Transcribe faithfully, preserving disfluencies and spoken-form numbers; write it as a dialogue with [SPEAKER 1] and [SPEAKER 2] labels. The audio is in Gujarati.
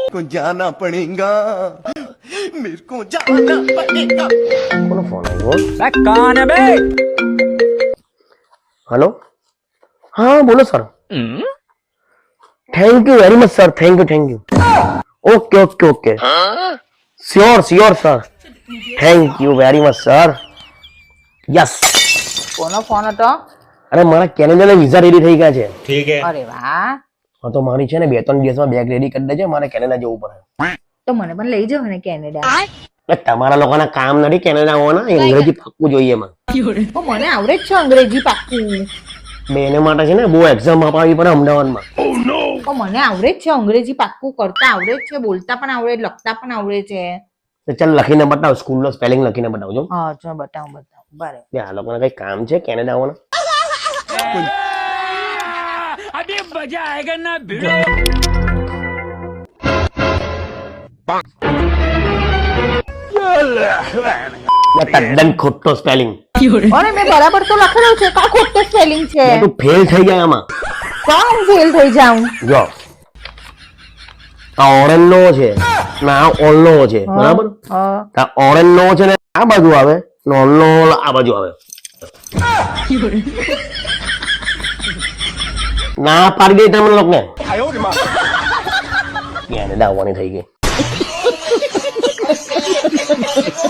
[SPEAKER 1] को जाना पड़ेगा मेरे को जाना पड़ेगा
[SPEAKER 2] કોનો ફોન આવ્યો?
[SPEAKER 3] બે કાન બે
[SPEAKER 2] હેલો, હા બોલો sir. Thank you very much sir, thank you thank you. Okay okay okay, sure sure sir, thank you very much sir. Yes.
[SPEAKER 4] કોનો ફોન હતો?
[SPEAKER 2] અરે મારા કેનેડાના વિઝા રેડી થઈ ગયા છે.
[SPEAKER 3] ઠીક હે.
[SPEAKER 4] અરે વાહ,
[SPEAKER 2] હા તો મારી છે ને બે ત્રણ દિવસમાં બેગ રેડી કરી દેજે, મારે કેનેડા જવું પડે.
[SPEAKER 4] તો મને પણ લઈ જાવ ને કેનેડા.
[SPEAKER 2] એટલે તમારા લોકોના કામ નથી કેનેડા આવવાના, અંગ્રેજી પાક્કું જોઈએ એમાં.
[SPEAKER 4] તો મને આવડે જ છે અંગ્રેજી પાક્કું.
[SPEAKER 2] બેને માટે છે ને બહુ એક્ઝામ અપાવી પડે અમદાવાદમાં.
[SPEAKER 4] તો મને આવડે જ છે અંગ્રેજી પાક્કું, કરતા આવડે જ છે, બોલતા પણ આવડે, લખતા પણ આવડે છે.
[SPEAKER 2] તો ચાલ લખીને બતાવ, સ્કૂલનો સ્પેલિંગ લખીને બતાવજો.
[SPEAKER 4] હા ચાલ બતાવું બતાવું બરાબર.
[SPEAKER 2] બે આ લોકોને કઈ કામ છે કેનેડા આવવાના?
[SPEAKER 3] અભી મજા આયેગા ના ભીડો.
[SPEAKER 2] તદ્દન ખોટો સ્પેલિંગ.
[SPEAKER 4] અરે મેં બરાબર તો લખેલું છે, કા ખોટું સ્પેલિંગ છે?
[SPEAKER 2] તું ફેલ થઈ જાય આમાં.
[SPEAKER 4] કા હું ફેલ થઈ જાઉં?
[SPEAKER 2] જો આ ઓરેન્જ નો છે ને આ ઓલ નો છે, બરાબર?
[SPEAKER 4] હા.
[SPEAKER 2] આ ઓરેન્જ નો છે ને આ બાજુ આવે ને ઓલ નો આ બાજુ આવે. ના પાડી દે તમને લોકોને. કેનેડા આવવાની થઈ ગઈ.